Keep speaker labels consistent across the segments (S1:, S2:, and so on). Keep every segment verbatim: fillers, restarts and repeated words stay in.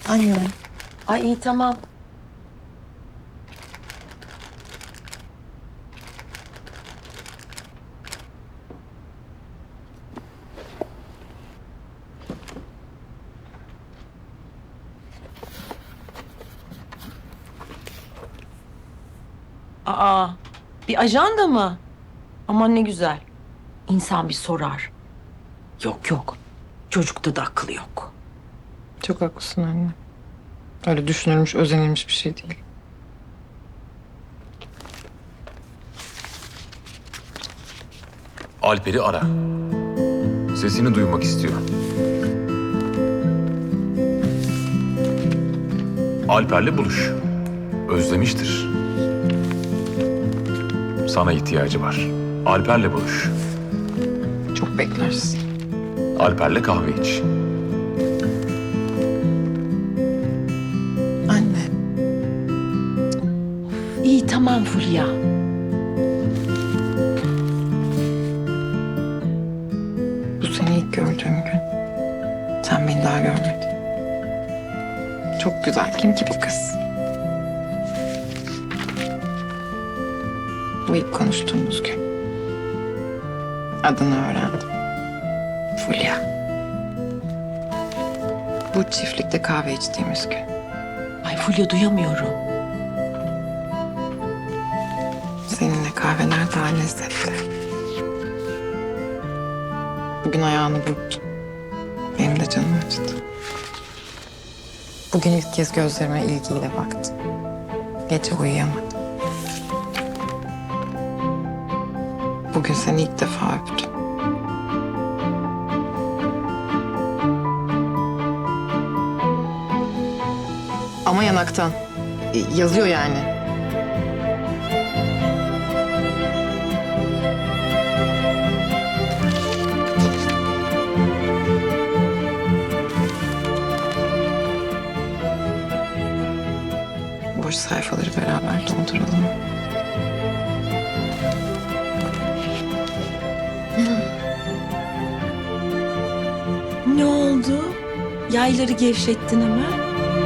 S1: Anne.
S2: Ay iyi tamam. Aa, bir ajanda mı? Aman ne güzel. İnsan bir sorar. Yok yok. Çocukta da aklı yok.
S1: Çok haklısın anne. Öyle düşünülmüş, özenilmiş bir şey değil.
S3: Alper'i ara. Sesini duymak istiyor. Alper'le buluş. Özlemiştir. Sana ihtiyacı var. Alper'le buluş.
S1: Çok beklersin.
S3: Alper'le kahve iç.
S1: Anne.
S2: İyi tamam Fulya.
S1: Bu seni ilk gördüğüm gün. Sen beni daha görmedin. Çok güzel. Kim ki bu kız? Bu ilk konuştuğumuz gün. Adını öğrendim. Fulya. Bu çiftlikte kahve içtiğimiz gün.
S2: Ay Fulya duyamıyorum.
S1: Seninle kahveler daha lezzetli. Bugün ayağını burktum. Benim de canım acıdı. Bugün ilk kez gözlerime ilgiyle baktı. Gece uyuyamadım. Bugün seni ilk defa öptüm. Ama yanaktan. E, Yazıyor yani. Boş sayfaları beraber dolduralım.
S2: Ne oldu? Yayları gevşettin hemen.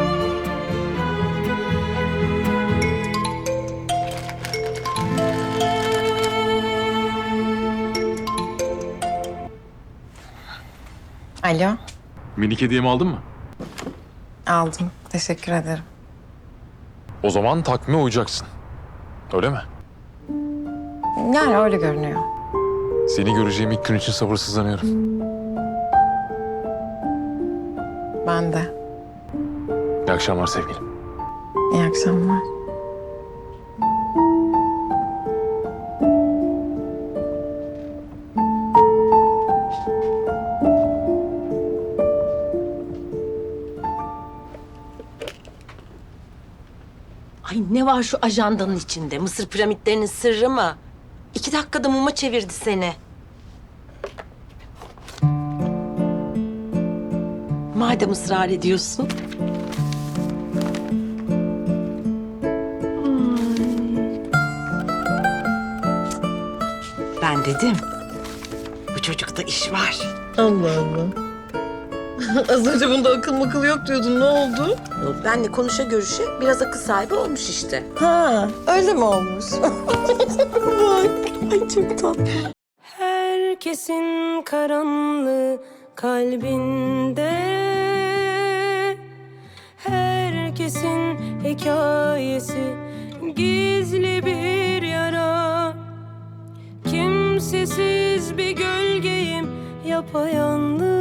S1: Alo,
S3: Minik hediyemi aldın mı?
S1: aldım. Teşekkür ederim.
S3: O zaman takvime uyacaksın. Öyle mi?
S1: Yani öyle görünüyor.
S3: Seni göreceğim ilk gün için sabırsızlanıyorum.
S1: Ben de.
S3: İyi akşamlar sevgilim.
S1: İyi akşamlar.
S2: Ay ne var şu ajandanın içinde? Mısır piramitlerinin sırrı mı? İki dakikada muma çevirdi seni. Madem ısrar ediyorsun. Ben dedim. Bu çocukta iş var.
S1: Allah Allah. Az önce bunda akıl makıl yok diyordun. Ne oldu?
S2: Benle konuşa görüşe biraz akıl sahibi olmuş işte.
S1: Ha, öyle mi olmuş?
S2: Bak, ay çok tatlı.
S4: Herkesin karanlığı kalbinde, herkesin hikayesi gizli bir yara. Kimsesiz bir gölgeyim, yapayalnız.